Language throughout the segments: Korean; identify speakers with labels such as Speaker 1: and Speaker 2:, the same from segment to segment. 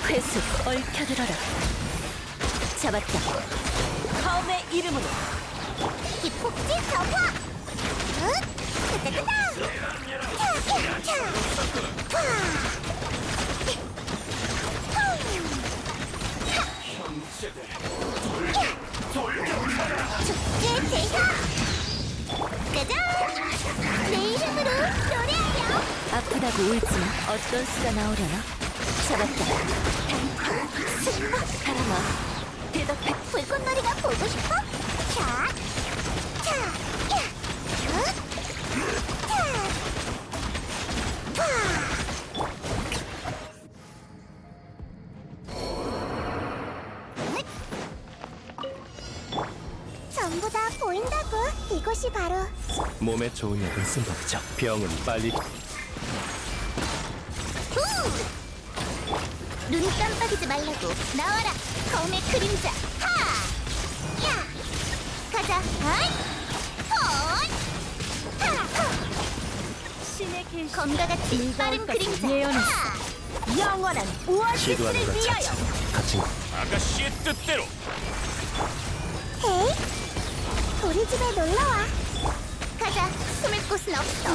Speaker 1: 회수 얽혀들어라. 잡았다. 카움의 이름으로.
Speaker 2: 기폭지 저화! 뜨뜨뜨다! 축제 제사! 짜잔! 내 이름으로 노래하여!
Speaker 1: 아프다고 울지마. 어떤 수가 나오려나? 잡았다.
Speaker 2: 승마!
Speaker 1: 사람아, 대답해.
Speaker 2: 불꽃놀이가 보고 싶어? 자! 자! 야! 자! 와! 전부 다 보인다고. 이곳이 바로
Speaker 3: 몸에 좋은 약은 쓴 법이죠. 병은 빨리
Speaker 2: 눈 깜빡이지 말라고. 나와라 검의 그림자. 하! 야! 가자. 어이! 헛! 하!
Speaker 1: 신의 계시.
Speaker 2: 검과 같이 빠른
Speaker 1: 것을
Speaker 2: 그림자.
Speaker 1: 예언했어.
Speaker 2: 하!
Speaker 1: 영원한 오아시스를
Speaker 3: 시도하는 것
Speaker 1: 위하여.
Speaker 3: 자체로 갇힌
Speaker 4: 아가씨의 뜻대로
Speaker 2: 헤이! 우리 집에 놀러와. 가자. 숨을 곳은 없어.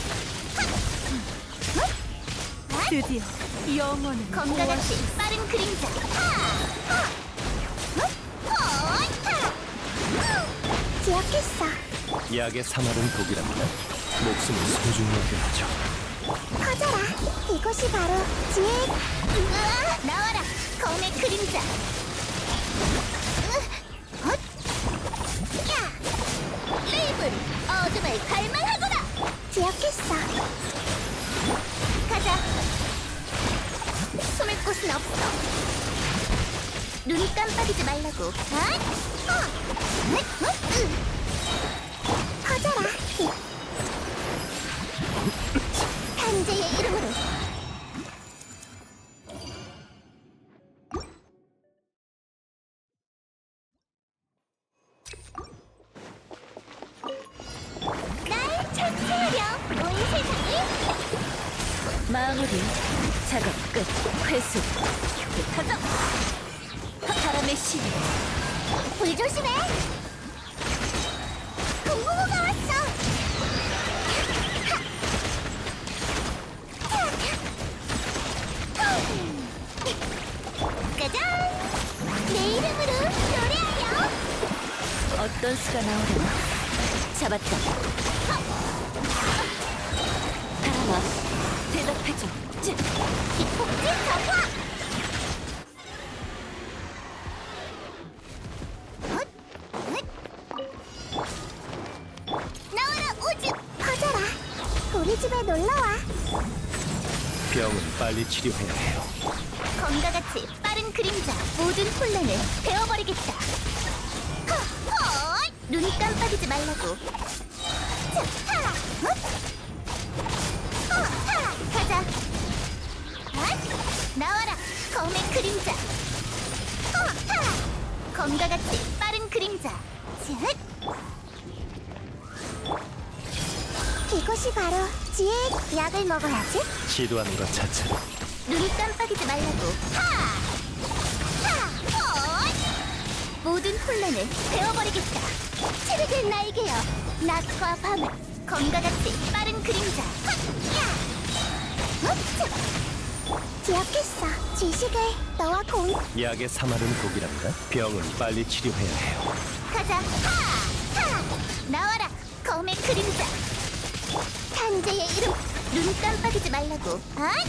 Speaker 1: 드디어 영원한
Speaker 2: 검과 같이 빠른 그림자. 하! 헛! 기억했어.
Speaker 3: 약의 사마른 독이랍니다. 목숨을 소중히 여겨야죠.
Speaker 2: 퍼져라. 이곳이 바로 지혜. 으아! 나와라. 검의 그림자. 헛! 야! 레이븐 어둠을 갈망하거라. 기억했어. 가자. 숨을 곳은 없어. 눈 깜빡이지 말라고. 퍼져라. 탄재의 이름으로. 날 찬송하렴. 온 세상이.
Speaker 1: 마무리. 작업 끝. 회수. 가자. 바람의 신.
Speaker 2: 불 조심해. 공부부가 왔어. 짜잔! 내 이름으로 노래하여.
Speaker 1: 어떤 수가 나오려나? 잡았다. 바람아, 대답해줘.
Speaker 2: 기폭지 저화! 나와라 오즈! 퍼져라. 우리 집에 놀러와.
Speaker 3: 병은 빨리 치료해야 해요.
Speaker 2: 검과 같이 빠른 그림자. 모든 혼란을 베어버리겠다. 헛! 눈 깜빡이지 말라고. 자, 하! 헛! 하! 가자. 헛! 나와라 검의 그림자. 하! 검과 같이 빠른 그림자. 쯧! 이곳이 바로 지혜. 약을 먹어야지.
Speaker 3: 시도하는 것 자체로
Speaker 2: 눈 깜빡이지 말라고. 하! 하! 헛! 모든 혼란을 베어버리겠다. 치르게 나에게요. 낮과 밤을. 검과 같이 빠른 그림자. 헛! 야! 헛! 기억했어. 지식을 너와 공.
Speaker 3: 약의 사마른 독이랍니다. 병은 빨리 치료해야 해요.
Speaker 2: 가자. 하! 하! 나와라 검의 그림자. 탄재의 이름. 눈 깜빡이지 말라고. 아이!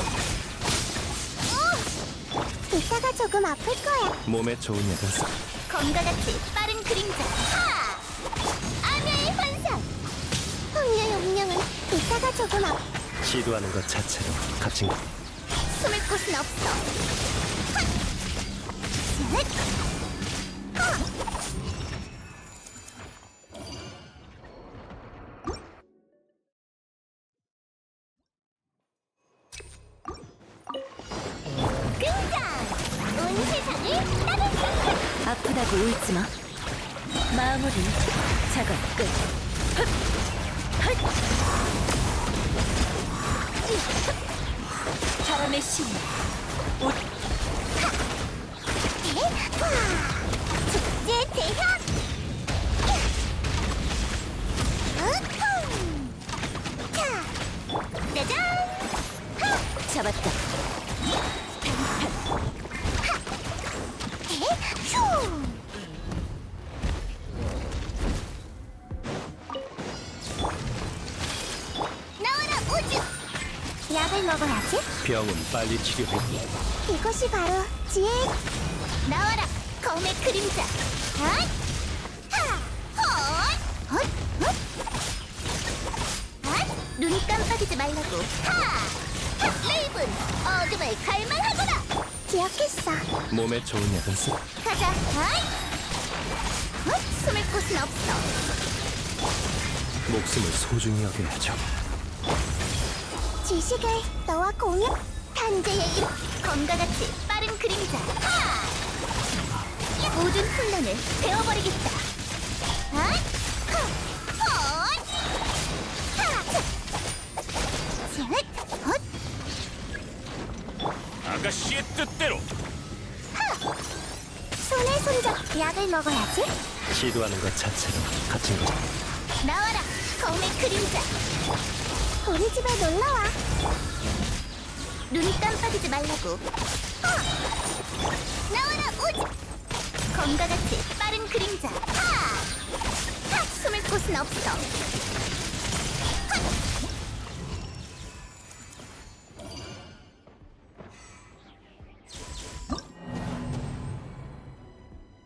Speaker 2: 이따가 조금 아플 거야.
Speaker 3: 몸에 좋은 약은 쓴
Speaker 2: 검과 같이 빠른 그림자. 하! 암야의 환상. 황녀의 운명은 이따가 조금
Speaker 3: 시도하는 것 자체로 갇힌
Speaker 2: 숨을 곳은 없어. 핫! 쯧! 하! 등장! 온 세상을 따뜻하게.
Speaker 1: 아프다고 울지마. 마무리. 작업 끝. 헛! 헛! 바람의 신. 옷. 잡았다.
Speaker 2: 휴! 나와라 우주! 약을 먹어야지.
Speaker 3: 병은 빨리 치료해.
Speaker 2: 이것이 바로 지혜. 나와라 검의 그림자. 핫! 하! 헛! 헛! 헛! 핫! 눈 깜빡이지 말라고. 하! 핫! 레이븐 어둠을 갈망하거라. 기억했어.
Speaker 3: 몸에 좋은 약은 쓰.
Speaker 2: 가자. 핫! 헛! 숨을 곳은 없어.
Speaker 3: 목숨을 소중히 여겨야죠.
Speaker 2: 지식을 너와 공유. 탄재의 이름. 검과 같이 빠른 그림자. 하! 모든 혼란을 베어버리겠다. 하! 하! 헛! 하! 셋! 헛!
Speaker 3: 아가씨의 뜻대로.
Speaker 2: 손에 손잡. 약을 먹어야지.
Speaker 3: 시도하는 것 자체로 갇힌 거죠.
Speaker 2: 나와라 검의 그림자. 우리 집에 놀러와. 눈 깜빡이지 말라고. 나와라 우주. 검과 같이 빠른 그림자. 하! 하! 숨을 곳은 없어.